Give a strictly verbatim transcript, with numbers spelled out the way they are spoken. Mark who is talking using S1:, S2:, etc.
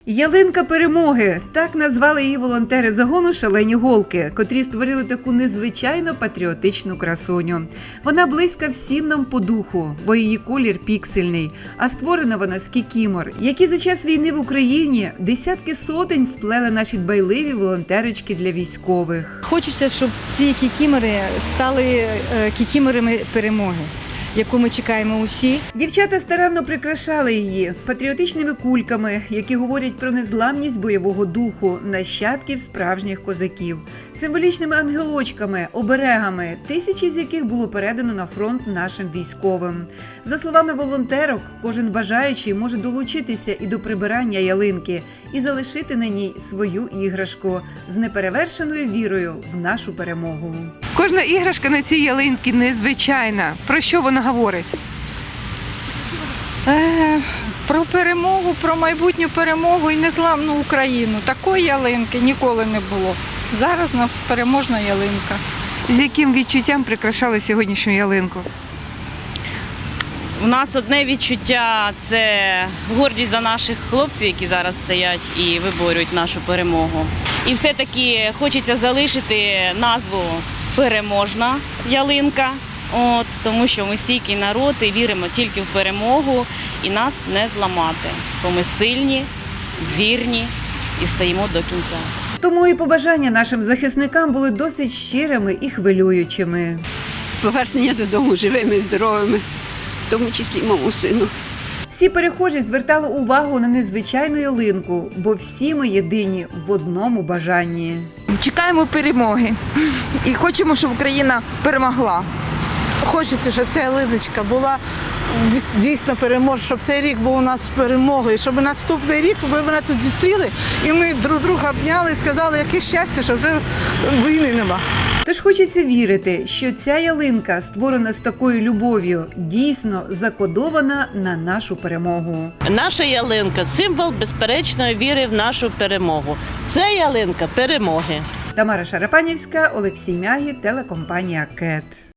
S1: Ялинка перемоги – так назвали її волонтери загону «Шалені голки», котрі створили таку незвичайно патріотичну красуню. Вона близька всім нам по духу, бо її колір піксельний, а створена вона з кікімор, які за час війни в Україні десятки сотень сплели наші дбайливі волонтерочки для військових.
S2: Хочеться, щоб ці кікімори стали кікіморами перемоги, яку ми чекаємо усі.
S1: Дівчата старанно прикрашали її патріотичними кульками, які говорять про незламність бойового духу нащадків справжніх козаків, символічними ангелочками, оберегами, тисячі з яких було передано на фронт нашим військовим. За словами волонтерок, кожен бажаючий може долучитися і до прибирання ялинки і залишити на ній свою іграшку з неперевершеною вірою в нашу перемогу.
S3: Кожна іграшка на цій ялинці незвичайна. Про що вона говорить?
S4: Е, про перемогу, про майбутню перемогу і незламну Україну. Такої ялинки ніколи не було. Зараз у нас переможна ялинка.
S3: З яким відчуттям прикрашали сьогоднішню ялинку?
S5: У нас одне відчуття – це гордість за наших хлопців, які зараз стоять і виборюють нашу перемогу. І все-таки хочеться залишити назву «Переможна ялинка», от, тому що ми стійкий народ і віримо тільки в перемогу і нас не зламати, бо ми сильні, вірні і стоїмо до кінця.
S1: Тому і побажання нашим захисникам були досить щирими і хвилюючими.
S6: Повернення додому живими, здоровими, в тому числі й моєму сину.
S1: Всі перехожі звертали увагу на незвичайну ялинку, бо всі ми єдині в одному бажанні.
S7: Чекаємо перемоги і хочемо, щоб Україна перемогла.
S8: Хочеться, щоб ця ялиночка була дійсно переможна, щоб цей рік був у нас перемогою, щоб наступний рік ми мене тут зустріли і ми друг друга обняли і сказали, яке щастя, що вже війни нема.
S1: Тож хочеться вірити, що ця ялинка, створена з такою любов'ю, дійсно закодована на нашу перемогу.
S9: Наша ялинка – символ безперечної віри в нашу перемогу. Це ялинка перемоги.
S1: Тамара Шарапанівська, Олексій Мягі, телекомпанія «КЕТ».